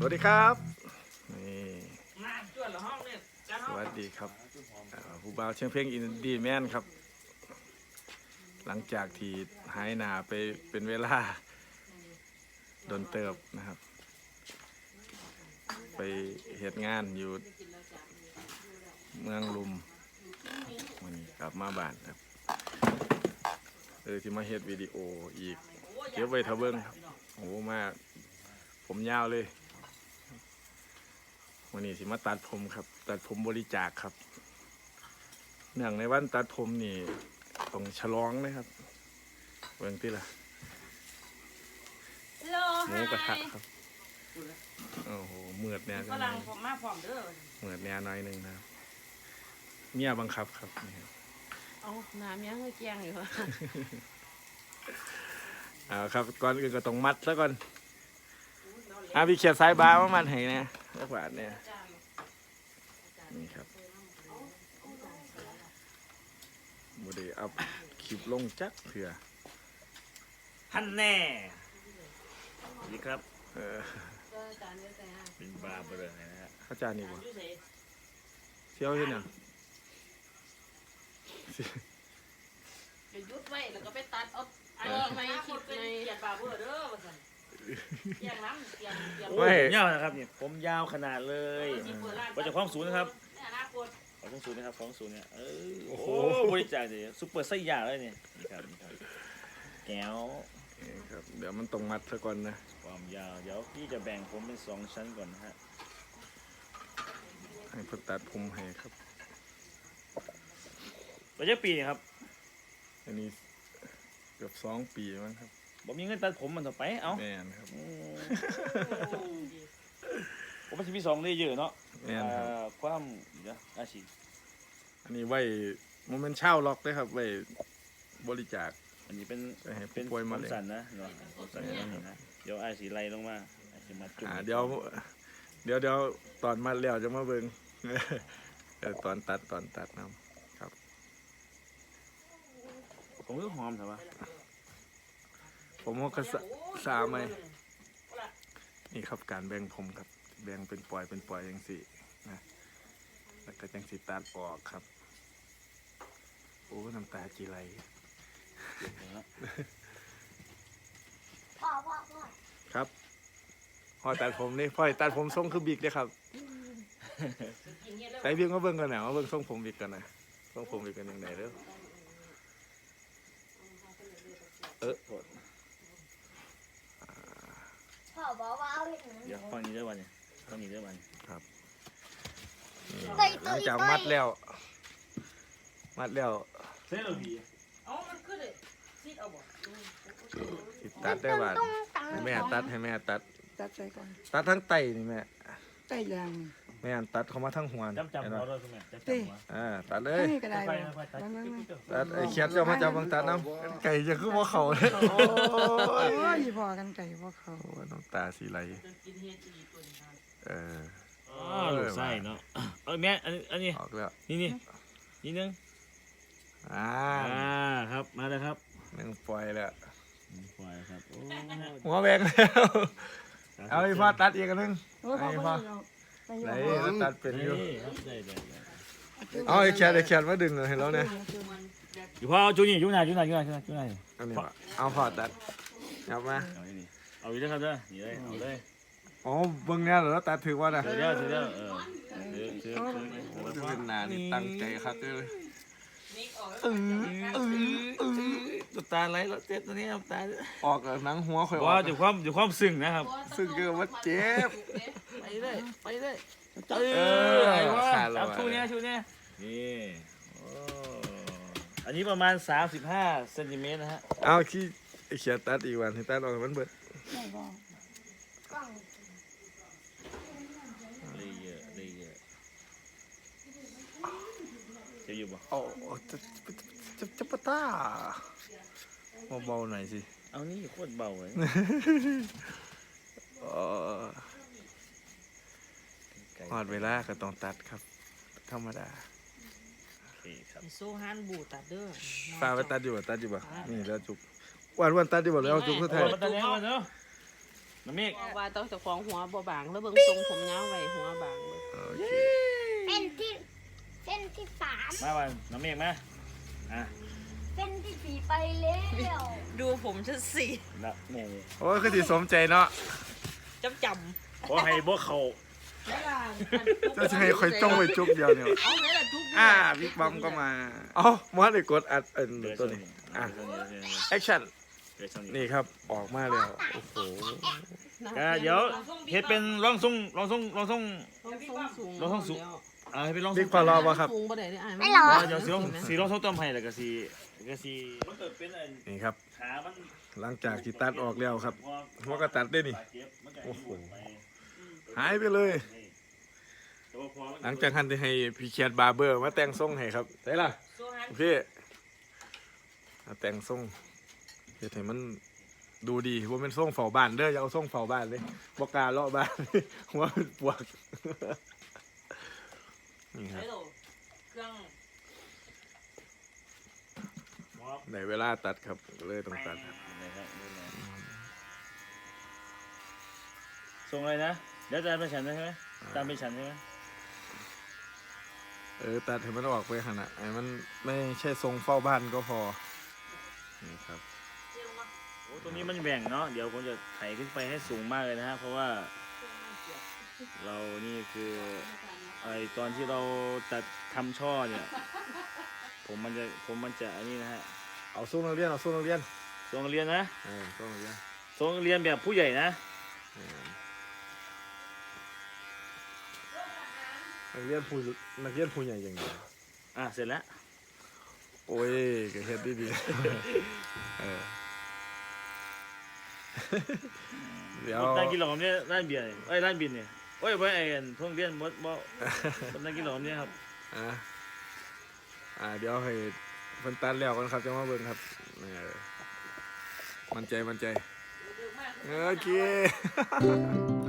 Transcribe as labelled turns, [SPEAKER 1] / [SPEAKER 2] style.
[SPEAKER 1] วัสดีครับนี่
[SPEAKER 2] มาจวดละห้องเนี่ย
[SPEAKER 1] สวัสดีครับผู้บ่าวเชียงเพ่งอินดี้แมนครับ หลังจากที่หายหนาไปเป็นเวลาโดนเติบนะครับ ไปเหตุงานอยู่เมืองลุมวันนี้กลับมาบ้านครับที่มาเฮ็ดวิดีโออีกเก็บไว้ทะเบิ้งครับโอ้มากผมยาวเลยวันนี้สิมาตัดผมครับตัดผมบริจาคครับเนื่องในวันตัดผมนี่ต้องฉลองนะครับเบิ่งที่ละหมูกระทะครับโอ้โหเมือดเนี่ย
[SPEAKER 2] กำลังผมมาพร้อมเด้อ
[SPEAKER 1] เมือดเนี่ยน้อยหนึ่งนะครับเมียบังคับครับนี่ครับ
[SPEAKER 2] เอาน้ำยังเกียงอยู่
[SPEAKER 1] ครับก่อนอื่นก็ต้องมัดซะก่อนพี่เขียดสายบามามัดให้นะสักบาทเนี่ยนี่ครับโมเดลอัพคลิปลงจักเถื่อ
[SPEAKER 3] ท่านแน่นี่ครับ
[SPEAKER 1] เออ
[SPEAKER 3] เป็นบาร์เบอร์นะฮะ
[SPEAKER 1] เข้าใจนี่บ่เที่ยวที่ไหน
[SPEAKER 2] จะยุดไว้แล้วก็ไปตัดเอาอันนี้ไม่คิดในเกียรบาเบอร์เด้อว่าซั่นเกียงน้ำเกียง
[SPEAKER 3] โอ้ยผมยาวนะครับเนี่ยผมยาวขนาดเลยว่าจะคล้องศูนย์นะครับ
[SPEAKER 2] ในอนาคต
[SPEAKER 3] คล้องศูนย์นะครับคล้องศูนย์เนี่ยโอ้โหบริจาคเลยซุปเปอร์ไส้ยาเลยเนี่ยนี่ครับนี่ครับแก้ว
[SPEAKER 1] นี่ครับเดี๋ยวมันต้องมัดซะก่อนนะ
[SPEAKER 3] ความยาวเดี๋ยวพี่จะแบ่งผมเป็น2ชั้นก่อนนะฮะ
[SPEAKER 1] ให้เพิ่นตัดผมให้ครับ
[SPEAKER 3] ปัจจุบันปีนี่ครับ
[SPEAKER 1] อันนี้เกือบ2 ปีมั้งครับ
[SPEAKER 3] ผมมีเงินตัดผมมันต่อไปเอ้า
[SPEAKER 1] แม่นครับ
[SPEAKER 3] ผมเป็นที่2ได้เยอะเนาะ
[SPEAKER 1] แม่นครับ
[SPEAKER 3] ความเดี๋ยวอาชีพ
[SPEAKER 1] อันนี้ไว้โมเมนต์เช่าล็อกเลยครับไว้บริจาค
[SPEAKER 3] อันนี้เป็น
[SPEAKER 1] ไปให้ผู้
[SPEAKER 3] เป็น
[SPEAKER 1] ป่วย
[SPEAKER 3] ผม
[SPEAKER 1] ะเร็ง
[SPEAKER 3] สั่นนะเนาะผมสั่นนะเดี๋ยวอาชีไล่ลงมาอาชีมาจุ่ม
[SPEAKER 1] เดี๋ยวตอนมัดแล้วจะมาเบิ่ง เดี๋ยวตอนตัดนะครับ
[SPEAKER 3] ผมก็หอมแต่ว่า
[SPEAKER 1] ผมก็สาไหมนี่ครับการแบ่งผมครับแบ่งเป็นปล่อยจังสินะแล้วก็จังสิตัดออกครับโอ้น้ำตาจีไหล
[SPEAKER 4] พ่อ
[SPEAKER 1] ครับพ่อตัดผมนี่พ่อตัดผมทรงคือบิ๊กเลยครับแต่บิ๊กมาเบิ่งกันหน่อยมาเบิ่งทรงผมบิ๊กกันหน่อยทรงผมบิ๊กกันยังไงเด้อโทษ
[SPEAKER 4] พ่อบอกว่าเอาเห็น
[SPEAKER 3] เดี๋ยวฟังนี้ได้วันเนี่ยฟังนี้ได้วัน
[SPEAKER 1] ครับนี่หลังจากมัดแล้ว
[SPEAKER 3] เส้นเราดี
[SPEAKER 2] เอามันขึ้นเลยซีดเอาบ่
[SPEAKER 1] สิตัดได้บาดให้แม่ตัด
[SPEAKER 5] ตัดใจก่อน
[SPEAKER 1] ตัดทั้งไตนี่แม่
[SPEAKER 5] ไตยาง
[SPEAKER 1] แม่ตัดเข้ามาทั้งหัวนี่
[SPEAKER 3] จำ
[SPEAKER 1] เห็น
[SPEAKER 3] เรา
[SPEAKER 1] บ่
[SPEAKER 3] ด้วยคุณแม่จำหัว
[SPEAKER 1] ตัดเลย
[SPEAKER 5] ให้ก็ได้
[SPEAKER 3] ไป
[SPEAKER 5] บ่
[SPEAKER 3] ไปตัด
[SPEAKER 1] ตัดไอ้เขียดเจ้ามาจับบังตัดน้ำไก่จะคือว่าเขาเลยโอ้
[SPEAKER 5] โอ้
[SPEAKER 1] ย
[SPEAKER 5] ยพอกันไก่พอเขา
[SPEAKER 1] โอ้ยน้ำตาสีไหล
[SPEAKER 2] กินเฮ็ดอีกตัวนึงครับ
[SPEAKER 3] อ๋อลูกไส้เนาะแม่อันนี้
[SPEAKER 1] ออกแล้ว
[SPEAKER 3] นี่นึง ครับมาเลยครับ
[SPEAKER 1] หนึ่งปล่อยแล้ว
[SPEAKER 3] ปล่อยครับ
[SPEAKER 1] หัวแบงแล้วเอาไอ้พ่อตัดอีกอันนึง
[SPEAKER 5] โอ้ยพอ
[SPEAKER 1] ไอ้
[SPEAKER 5] พ
[SPEAKER 1] พ่อ
[SPEAKER 5] อไป
[SPEAKER 1] ไหน
[SPEAKER 5] อยู่
[SPEAKER 1] แล้วตัดเป็นอยู่
[SPEAKER 3] ครับได้
[SPEAKER 1] เอาไอ้เขียดมาดึงเลยเห็นแล้วเนี่ย
[SPEAKER 3] อยู่พ่อเอาจูนี่จูน่า
[SPEAKER 1] อันนี้วะเอาพ่อตัดจับมา
[SPEAKER 3] เอาอีกแล้วครับเด้อนี่เลยเอาเลย
[SPEAKER 1] อ๋อเบิ่งเนี่ยเหรอตัดถือว่าน่ะ
[SPEAKER 3] เดี๋ยว
[SPEAKER 1] โอ้จะเป็นนานี่ตั้งใจครับเลย
[SPEAKER 2] นี่ออกแล้ว
[SPEAKER 3] ตัวตาไหลแล้วเจ็บตัวนี้ตา
[SPEAKER 1] ออกหนังหัวข่อยอ
[SPEAKER 3] ว่า
[SPEAKER 1] อก
[SPEAKER 3] อยู่ความซึ้งนะครับ
[SPEAKER 1] ซึ่งก็ว่าเจ็บ
[SPEAKER 3] ไปเลย
[SPEAKER 1] ไอ้ว่า
[SPEAKER 3] จับชูเนี้ยนี่อันนี้ประมาณ35 เซนติเมตรนะฮะ
[SPEAKER 1] เอาขี้ไอ้เขียดตัดอีกวันให้ตัดออกมันเบิด
[SPEAKER 5] ไม่บอก
[SPEAKER 4] กล้อง
[SPEAKER 3] เลยเยอะจะอยู่บ่
[SPEAKER 1] โอ้จะปะต้าเบาๆหน่อยสิ
[SPEAKER 3] เอานี่โคตรเบาเลย
[SPEAKER 1] หอดเวลาก็ต้องตัดครับ ธรรมดา
[SPEAKER 3] โอเคครับ
[SPEAKER 2] โซฮันบูตัดเด้อ
[SPEAKER 1] ตาไปตัดอยู่บ่นี่แล้วจุกวันตัดอยู่บ่แล้วจุกเท่าไหร่
[SPEAKER 3] ตัดแล้วเนาะน้ำเมฆ
[SPEAKER 2] ว่าต้องเจ้าของหัวบ่บางแล้วเบิ่งทรงผมยาวไว้หัวบางเลย
[SPEAKER 1] โอเค
[SPEAKER 4] เส้นที่เส้นที่สาม
[SPEAKER 3] มาวันน้ำเมฆมาอ่ะ
[SPEAKER 4] เส้นที่สี่ไปแล้ว
[SPEAKER 2] ดูผมฉันสิ
[SPEAKER 3] นะนี่
[SPEAKER 1] โอ้ยคือสิสมใจเนาะ
[SPEAKER 2] จ
[SPEAKER 3] ขอให้พวกเขา
[SPEAKER 2] ำไม่ล่ะ
[SPEAKER 1] จะให้คอยจ้องไปจุ๊บเดียวเนี่ย
[SPEAKER 2] เอาไหนล่ะจุ๊บ
[SPEAKER 1] บิ๊กบัมก็มาเอ้ามอสเลยกดอัดตัวนี้แอคชั่นนี่ครับออกมาแล้วโอ้โห
[SPEAKER 3] เดี๋ยวเฮ็ดเป็นร้องทรง
[SPEAKER 2] ลองส่งสูง
[SPEAKER 3] ลองส่งสูง ให้เป็นร้องท
[SPEAKER 1] บิ๊
[SPEAKER 3] ร
[SPEAKER 1] ก
[SPEAKER 3] ง
[SPEAKER 1] พอรอป่ะครับ
[SPEAKER 2] สูงบ่ได้อ้าย
[SPEAKER 4] ไม่หรอ
[SPEAKER 3] เดี๋ยวสีร้องทรงต้มให้แล้วก็สีมันเกิดเป็น
[SPEAKER 1] นี่ครับ
[SPEAKER 3] ขามัน
[SPEAKER 1] หลังจากที่ตัดออกแล้วครับหัวก็ตัดได้นี่โอ้โหหายไปเลย หลังจากทันที่ให้พี่เคียดบาร์เบอร์มาแต่งทรงให้ครับได้ล่ะพี่มาแต่งทรงเฮ็ดให้มันดูดีว่าเป็นทรงเฝ้าบ้านเด้ออย่าเอาทรงเฝ้าบ้านเลยบอกกล้าเลาะบ้าน หัวเป็นปวกนี่ครับ
[SPEAKER 2] เครื่อง
[SPEAKER 1] ในเวลาตัดครับเลยต้องตัดครับ
[SPEAKER 3] ทรงอะไรนะเดี๋ยวจะไปฉันใช่ไหมตามไปฉันใช่ไหม
[SPEAKER 1] ตัดให้มันออกไปขนาดไอ้มันไม่ใช่ทรงเฝ้าบ้านก็พอนี่ครับ
[SPEAKER 3] โอ้ตัวนี้มันแหว่งเนาะเดี๋ยวผมจะไถขึ้นไปให้สูงมากเลยนะฮะเพราะว่าเรานี่คือไอตอนที่เราตัดทำช่อเนี่ยผมมันจะอันนี้นะฮะ
[SPEAKER 1] เอาทรงนักเรียนเอาทรงนักเรียน
[SPEAKER 3] ทรงเรียนนะ
[SPEAKER 1] ทรงนักเรียน
[SPEAKER 3] ทรงเรียนแบบผู้ใหญ่นะ
[SPEAKER 1] นักเรียนผู้ใหญ่อย่างเดียว
[SPEAKER 3] เสร็จแล้ว
[SPEAKER 1] โอ้ยก็เฮ็ดดีๆ เดี๋ยว
[SPEAKER 3] นั่งกินหลอมเนี่ยร้านเบียร์เนี่ยร้านบินเนี่ยโอ้ยไว้ไอ้เพิ่งเรียนมดบ่นั่งกินหลอมเนี่ยครับ
[SPEAKER 1] เดี๋ยวให้เพิ่นตัดแล้วกันครับจะมาเบิ่งครับมั่นใจโอเค